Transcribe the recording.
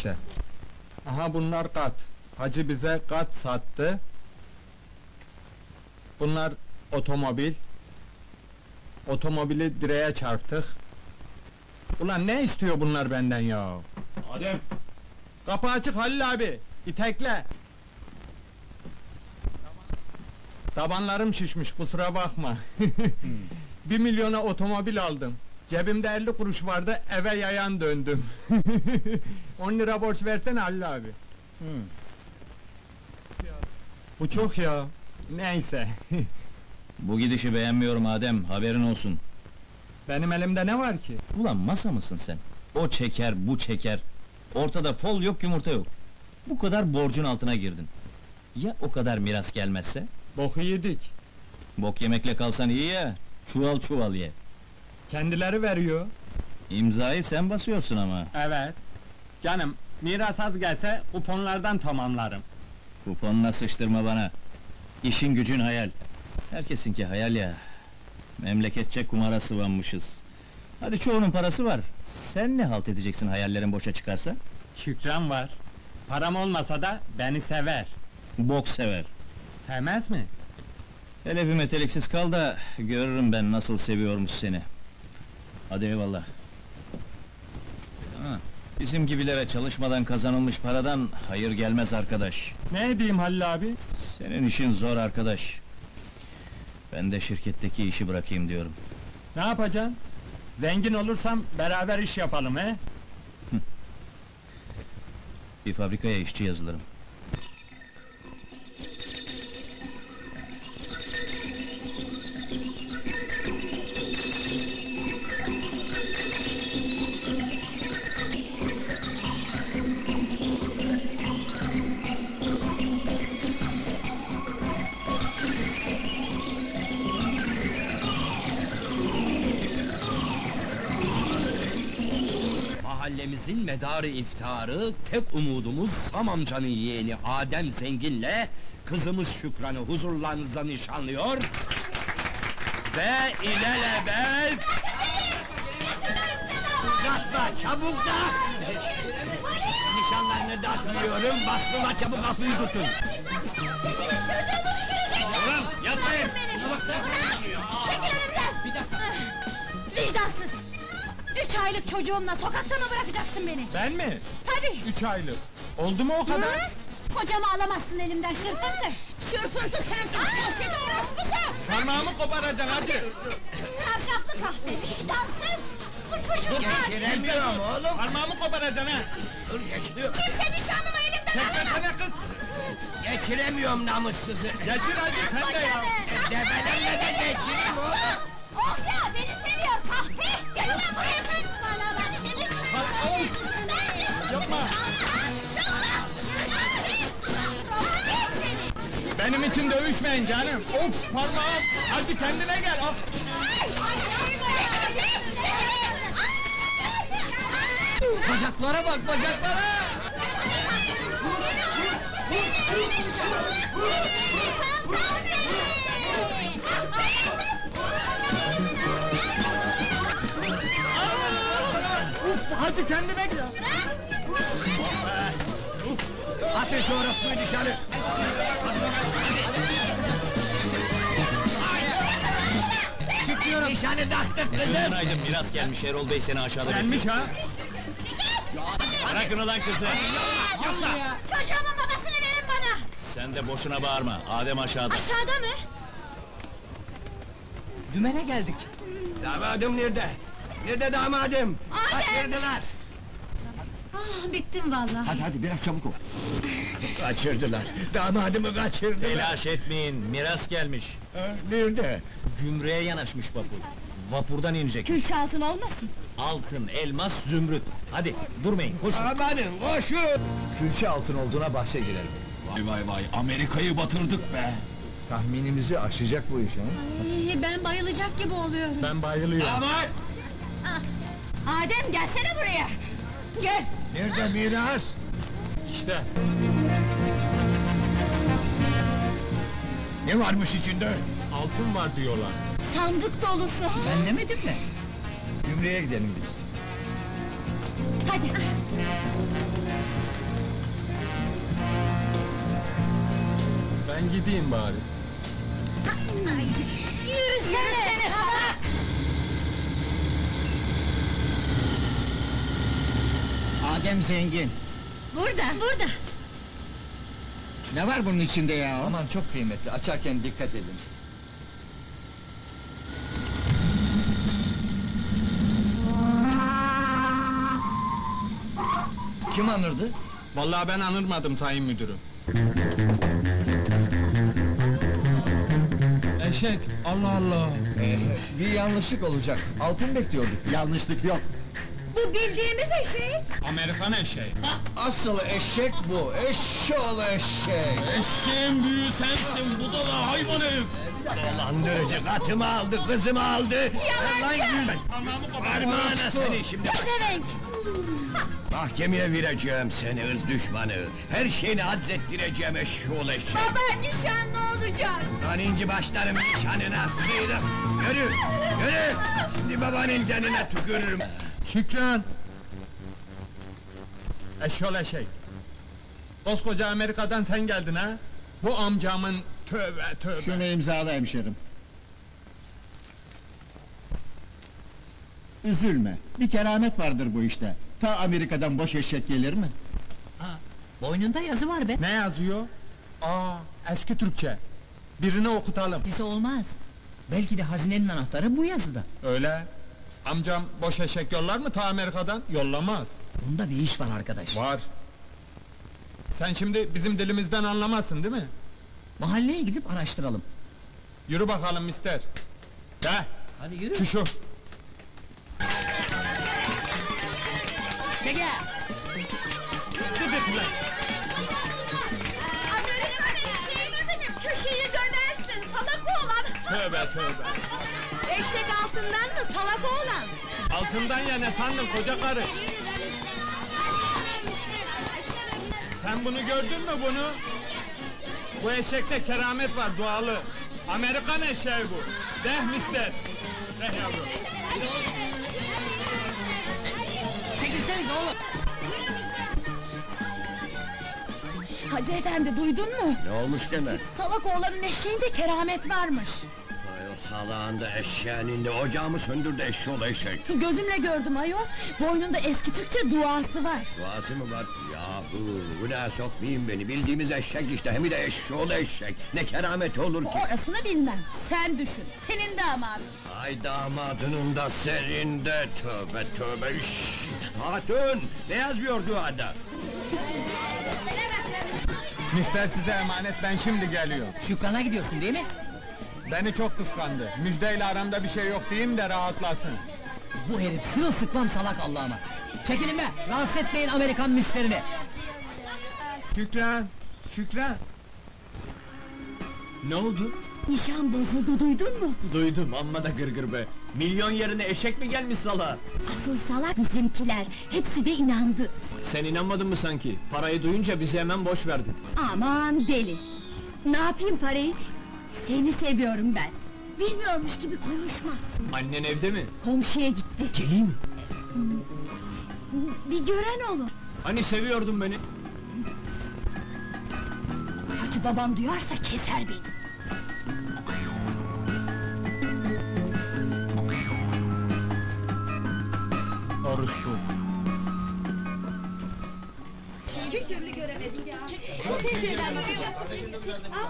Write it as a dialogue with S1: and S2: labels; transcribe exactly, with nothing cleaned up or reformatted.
S1: işte. Aha bunlar kat. Hacı bize kat sattı. Bunlar otomobil. Otomobili direğe çarptık. Ulan ne istiyor bunlar benden ya?
S2: Adem!
S1: Kapı açık Halil abi. İtekle. Tabanlarım şişmiş, kusura bakma. Bir milyona otomobil aldım. Cebimde elli kuruş vardı, eve yayan döndüm. On lira borç versene Halil abi. Bu çok ya. Neyse.
S2: Bu gidişi beğenmiyorum Adem, haberin olsun.
S1: Benim elimde ne var ki?
S2: Ulan masa mısın sen? O çeker, bu çeker. Ortada fol yok, yumurta yok. Bu kadar borcun altına girdin. Ya o kadar miras gelmezse?
S1: Boku yedik.
S2: Bok yemekle kalsan iyi ya, çuval çuval ye.
S1: Kendileri veriyor.
S2: İmzayı sen basıyorsun ama.
S1: Evet. Canım, miras az gelse kuponlardan tamamlarım.
S2: Kuponuna sıçtırma bana. İşin gücün hayal. Herkesinki hayal ya. Memleketçe kumara sıvanmışız. Hadi çoğunun parası var. Sen ne halt edeceksin hayallerin boşa çıkarsa?
S1: Şükran var. Param olmasa da beni sever.
S2: Bok sever.
S1: Sevmez mi?
S2: Hele bir meteliksiz kal da görürüm ben nasıl seviyormuş seni. Hadi eyvallah. Ha, bizim gibilere çalışmadan kazanılmış paradan hayır gelmez arkadaş.
S1: Ne edeyim Halil abi?
S2: Senin işin zor arkadaş. Ben de şirketteki işi bırakayım diyorum.
S1: Ne yapacaksın? Zengin olursam beraber iş yapalım he?
S2: Bir fabrikaya işçi yazılırım.
S3: Mahallemizin medarı iftiharı, tek umudumuz Sam amcanın yeğeni Adem Zengin'le kızımız Şükran'ı huzurlarınızda nişanlıyor ve ilelebet...
S4: Uzatma, çabuk da! Nişanlarını dağıtıyorum, bastılar çabuk kapıyı tutun!
S3: Tamam, yapmayın!
S5: Çekil önümden! Vicdansız! Üç aylık çocuğumla sokakta mı bırakacaksın beni?
S1: Ben mi?
S5: Tabii!
S1: Üç aylık. Oldu mu o kadar?
S5: Hı? Kocamı alamazsın elimden şırfıntı! Şırfıntı sensin, sosyete orospusu!
S1: Parmağımı koparacaksın hadi!
S5: Çarşaflı kahve, vicdansız! Bu çocuk var!
S4: Geçiremiyorum oğlum!
S1: Parmağımı koparacaksın ha!
S4: Dur geçiriyorum!
S5: Kimse nişanlımı elimden alamaz!
S1: Çekmesene kız!
S4: Geçiremiyorum namussuzu!
S1: Geçir hadi sen de ya!
S4: Debelenme de geçireyim oğlum!
S5: Oh ya, beni seviyor kahpe! Gel ulan buraya sen! Bana bak seni!
S1: Hay, of!
S5: Sensin!
S1: Yapma!
S5: Şallah! Seni!
S1: Benim için dövüşmeyin canım! Of parmağım! Hadi kendine gel! Ah!
S3: Bacaklara bak, bacaklara!
S1: Uf, hadi kendine gel!
S4: Atın şu orospuyu dışarı! Çıkıyorum! Nişanı dağıttık kızım!
S2: Günaydın, miras gelmiş, Erol Bey seni aşağıda
S1: Gelmiş ha!
S2: Bırakın ulan kızı!
S5: Çocuğumun babasını verin bana!
S2: Sen de boşuna bağırma, Adem aşağıda.
S5: Aşağıda mı?
S3: Dümene geldik.
S4: Damadım nerede? Nerede damadım?
S5: Adem!
S4: Kaçırdılar!
S5: Ah, bittim vallahi.
S4: Hadi hadi biraz çabuk ol! Kaçırdılar! Damadımı kaçırdılar!
S2: Telaş etmeyin, miras gelmiş.
S4: Ha, nerede?
S2: Gümrüğe yanaşmış vapur. Vapurdan inecek.
S5: Külçe altın olmasın?
S2: Altın, elmas, zümrüt. Hadi, durmayın, koşun.
S4: Amanın koşun!
S6: Külçe altın olduğuna bahse girelim.
S7: Vay vay vay, Amerika'yı batırdık be!
S6: Tahminimizi aşacak bu iş ha?
S5: Ay, ben bayılacak gibi oluyorum.
S1: Ben bayılıyorum.
S4: Damat!
S5: Adem gelsene buraya! Gel!
S4: Nerede miras?
S1: İşte!
S4: Ne varmış içinde?
S1: Altın var diyorlar.
S5: Sandık dolusu!
S3: Ben demedim mi?
S6: Gümrüğe gidelim biz.
S5: Hadi!
S1: Ben gideyim bari.
S5: Yürüsene salak!
S4: Adem zengin.
S5: Burada, burada.
S4: Ne var bunun içinde ya?
S6: Aman çok kıymetli, açarken dikkat edin. Kim anırdı?
S1: Vallahi ben anırmadım sayın müdürüm. Eşek, Allah Allah!
S6: Ee, bir yanlışlık olacak. Altın bekliyorduk.
S4: Yanlışlık yok.
S5: Bu bildiğimiz eşek.
S1: Amerikan eşeği.
S6: Asıl eşek bu, eşşoğlu eşek!
S7: Eşeğin büyüğü sensin, bu da la hayvan herif!
S4: Dolandırıcı, katımı aldı, kızımı aldı.
S5: Yalancı!
S4: Parmağına seni şimdi.
S5: Pezevenk!
S4: Mahkemeye vereceğim seni hırs düşmanı. Her şeyini hadzettireceğim eşşoğlu eşek.
S5: Baba nişan ne olacak?
S4: Lan inci başlarım nişanına sıyrık. Yürü, yürü. Şimdi babanın canına tükürürüm.
S1: Şükran! Eşyol eşek! Koskoca Amerika'dan sen geldin ha? Bu amcamın tövbe tövbe!
S4: Şunu imzala hemşerim. Üzülme, bir keramet vardır bu işte. Ta Amerika'dan boş eşek gelir mi?
S3: Boynunda yazı var be.
S1: Ne yazıyor? Aa, eski Türkçe! Birini okutalım.
S3: Neyse olmaz. Belki de hazinenin anahtarı bu yazıda.
S1: Öyle. Amcam boş eşek yollar mı ta Amerika'dan? Yollamaz.
S3: Bunda bir iş var arkadaş.
S1: Var. Sen şimdi bizim dilimizden anlamazsın değil mi?
S3: Mahalleye gidip araştıralım.
S1: Yürü bakalım mister. De,
S3: Hadi yürü.
S1: şu şu.
S3: Çekil!
S5: Amerikan eşeği mi benim? Köşeyi dönersin salak oğlan!
S1: Tövbe tövbe.
S5: Eşek altından mı salak oğlan?
S1: Altından ya ne sandın koca karı? Sen bunu gördün mü bunu? Bu eşekte keramet var dualı. Amerikan eşeği bu. Deh mister. Deh yavrum.
S3: Çekilseniz oğlum!
S5: Hacı efendi duydun mu?
S4: Ne olmuş gene?
S5: Salak oğlanın eşeğinde keramet varmış.
S4: Ay o salağında eşeğinin de ocağımı söndürdü eşşoğlu eşek.
S5: Gözümle gördüm ayol. Boynunda eski Türkçe duası var.
S4: Duası mı var? Yahu günaha sokmayın beni, bildiğimiz eşek işte, hem de eşşoğlu eşek. Ne kerameti olur ki?
S5: Orasını bilmem. Sen düşün. Senin damadın.
S4: Ay damadının da senin de, tövbe tövbe şşş! Hatun, ne yazıyor duada?
S1: Mister size emanet ben şimdi geliyorum.
S3: Şükran'a gidiyorsun değil mi?
S1: Beni çok kıskandı. Müjdeyle aramda bir şey yok diyeyim de rahatlasın.
S3: Bu herif sırılsıklam salak Allah'ıma. Çekilin be! Rahatsız etmeyin Amerikan misterini!
S1: Şükran, Şükran.
S8: Ne oldu?
S5: Nişan bozuldu duydun mu?
S8: Duydum, amma da gırgır be! Milyon yerine eşek mi gelmiş sala?
S5: Asıl salak bizimkiler. Hepsi de inandı.
S8: Sen inanmadın mı sanki? Parayı duyunca bizi hemen boş verdin.
S5: Aman deli! Ne yapayım parayı? Seni seviyorum ben. Bilmiyormuş gibi konuşma.
S8: Annen evde mi?
S5: Komşuya gitti.
S8: Geleyim mi?
S5: Bir gören olur.
S8: Hani seviyordun beni?
S5: Hacı babam duyarsa keser beni.
S1: Orospu.
S5: Bir türlü göremedim ya.